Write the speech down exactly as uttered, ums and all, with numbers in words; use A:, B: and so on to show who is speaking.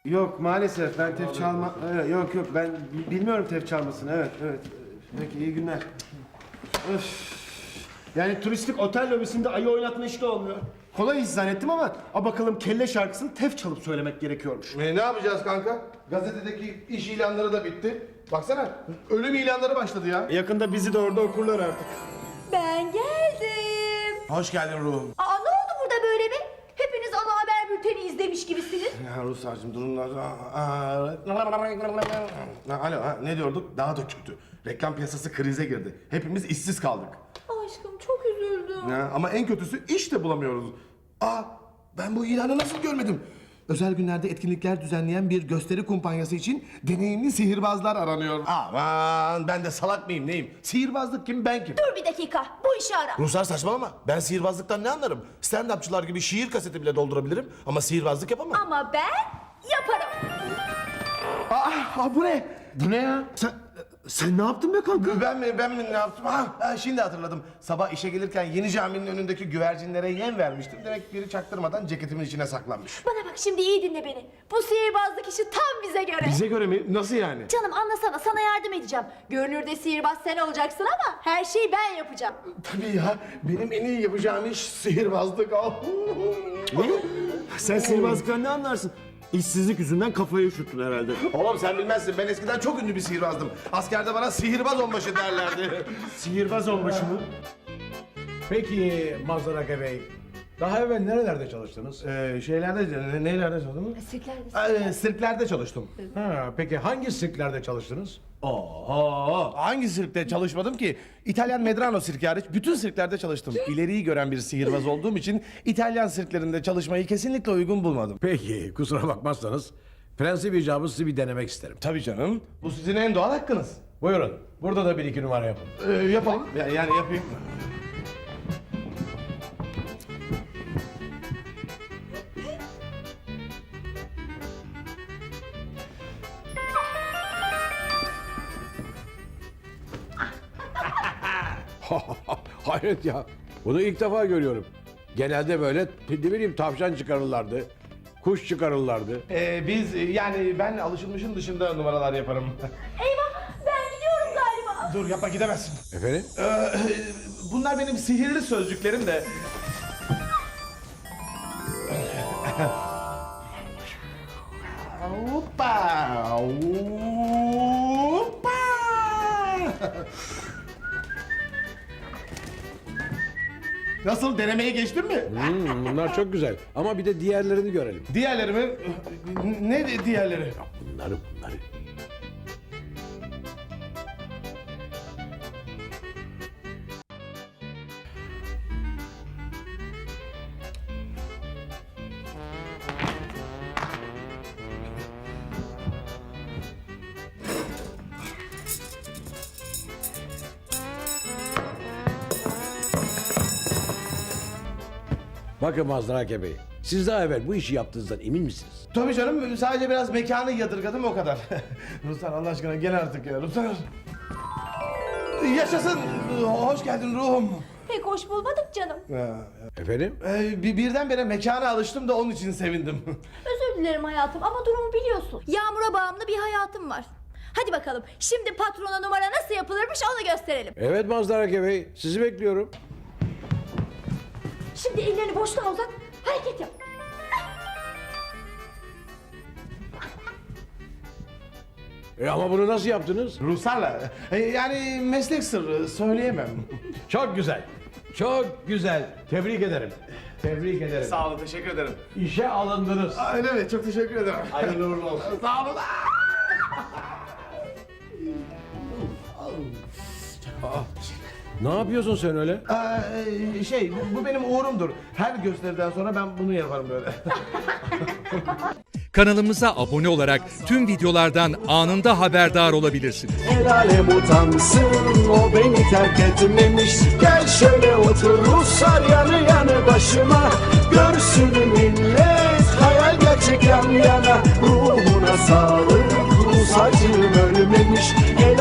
A: Yok maalesef ben tef çalma... Evet, yok yok ben bilmiyorum tef çalmasını. Evet evet. Peki iyi günler. Öf. Yani turistik otel lobisinde ayı oynatma işte olmuyor. Kolay iş zannettim ama a bakalım kelle şarkısını tef çalıp söylemek gerekiyormuş.
B: E, ne yapacağız kanka? Gazetedeki iş ilanları da bitti. Baksana ölüm ilanları başladı ya.
A: Yakında bizi de orada okurlar artık.
C: Ben geldim.
B: Hoş geldin ruhum.
C: Aa, ne oldu burada böyle be? Hepiniz ana haber bülteni izlemiş gibisiniz.
B: Ya Ruslar'cığım durumlar... Alo ha, ne diyorduk? Daha da kötü. Reklam piyasası krize girdi. Hepimiz işsiz kaldık.
C: Aşkım çok üzüldüm.
B: Ya, ama en kötüsü iş de bulamıyoruz. Aa, ben bu ilanı nasıl görmedim? Özel günlerde etkinlikler düzenleyen bir gösteri kumpanyası için deneyimli sihirbazlar aranıyor. Aman ben de salak mıyım neyim? Sihirbazlık kim ben kim?
C: Dur bir dakika, bu işi ara.
B: Ruslar saçmalama. Ben sihirbazlıktan ne anlarım? Stand-upçılar gibi şiir kaseti bile doldurabilirim ama sihirbazlık yapamam.
C: Ama ben yaparım.
B: Aa, aa bu ne?
A: Bu ne ya? Sen, sen ne yaptın be kanka?
B: Ben mi ben mi ne yaptım? Ha, ha, şimdi hatırladım. Sabah işe gelirken yeni caminin önündeki güvercinlere yem vermiştim. Demek biri çaktırmadan ceketimin içine saklanmış.
C: Bana bak şimdi iyi dinle beni. Bu sihirbazlık işi tam bize göre.
A: Bize göre mi? Nasıl yani?
C: Canım anlasana, sana yardım edeceğim. Görünürde sihirbaz sen olacaksın ama her şeyi ben yapacağım.
B: Tabii ya. Benim en iyi yapacağım iş sihirbazlık.
A: Ne? Sen sihirbazlıktan ne anlarsın? İşsizlik yüzünden kafayı üşüttün herhalde.
B: Oğlum sen bilmezsin. Ben eskiden çok ünlü bir sihirbazdım. Askerde bana sihirbaz onbaşı derlerdi.
A: Sihirbaz olmuş mu?
D: Peki Mazdarake Bey, daha evvel nerelerde çalıştınız?
B: ee, şeylerde, ne, nelerde çalıştın?
C: Sirklerde.
B: Ee, sirklerde çalıştım.
D: Ha, peki hangi sirklerde çalıştınız?
B: Oho! Hangi sirkte çalışmadım ki? İtalyan Medrano sirki hariç bütün sirklerde çalıştım. İleriyi gören bir sihirbaz olduğum için İtalyan sirklerinde çalışmayı kesinlikle uygun bulmadım.
D: Peki, kusura bakmazsanız prensip icabı sizi bir denemek isterim.
B: Tabii canım. Bu sizin en doğal hakkınız.
D: Buyurun, burada da bir iki numara yapın.
B: Ee, yapalım. Ya- Yani yapayım.
D: Hayret ya, bunu ilk defa görüyorum. Genelde böyle, ne bileyim tavşan çıkarırlardı, kuş çıkarırlardı.
B: Ee, biz yani ben alışılmışın dışında numaralar yaparım.
C: Eyvah, ben gidiyorum galiba.
B: Dur yapma gidemezsin.
D: Efendim?
B: Ee, bunlar benim sihirli sözcüklerim de. Hoppa! Hoppa! Nasıl denemeye geçtin mi?
D: Hmm, bunlar çok güzel ama bir de diğerlerini görelim.
B: Diğerleri mi? Ne di- diğerleri?
D: Bunları, bunları. Bakın Mazdarake Bey, siz daha evvel bu işi yaptığınızdan emin misiniz?
B: Tabii canım sadece biraz mekanı yadırgadım o kadar. Ruslar Allah aşkına gel artık ya Ruslar. Yaşasın. Hoş geldin ruhum.
C: Pek hoş bulmadık canım.
D: Efendim?
B: Ee, bir birdenbire mekana alıştım da onun için sevindim.
C: Özür dilerim hayatım ama durumu biliyorsun. Yağmura bağımlı bir hayatım var. Hadi bakalım şimdi patrona numara nasıl yapılırmış onu gösterelim.
D: Evet Mazdarake Bey, sizi bekliyorum.
C: Şimdi ellerini boşluğa uzat, hareket yap.
D: E ama bunu nasıl yaptınız?
B: Ruslarla. Ee, yani meslek sırrı söyleyemem.
D: Çok güzel. Çok güzel. Tebrik ederim. Tebrik ederim.
B: Sağ olun teşekkür ederim.
D: İşe alındınız.
B: Aa, öyle mi? Çok teşekkür ederim.
D: Hayırlı uğurlu olsun.
B: Sağ olun.
D: Ne yapıyorsun sen öyle?
B: Ee, şey bu, bu benim uğurumdur. Her gösteriden sonra ben bunu yaparım böyle.
E: Kanalımıza abone olarak tüm videolardan anında haberdar olabilirsiniz.
F: El alem utansın, o beni terk etmemiş. Gel şöyle otur Ruslar yanı yanı başıma. Görsün millet hayal gerçek yan yana. Ruhuna sağlık, Rus acım ölmemiş. El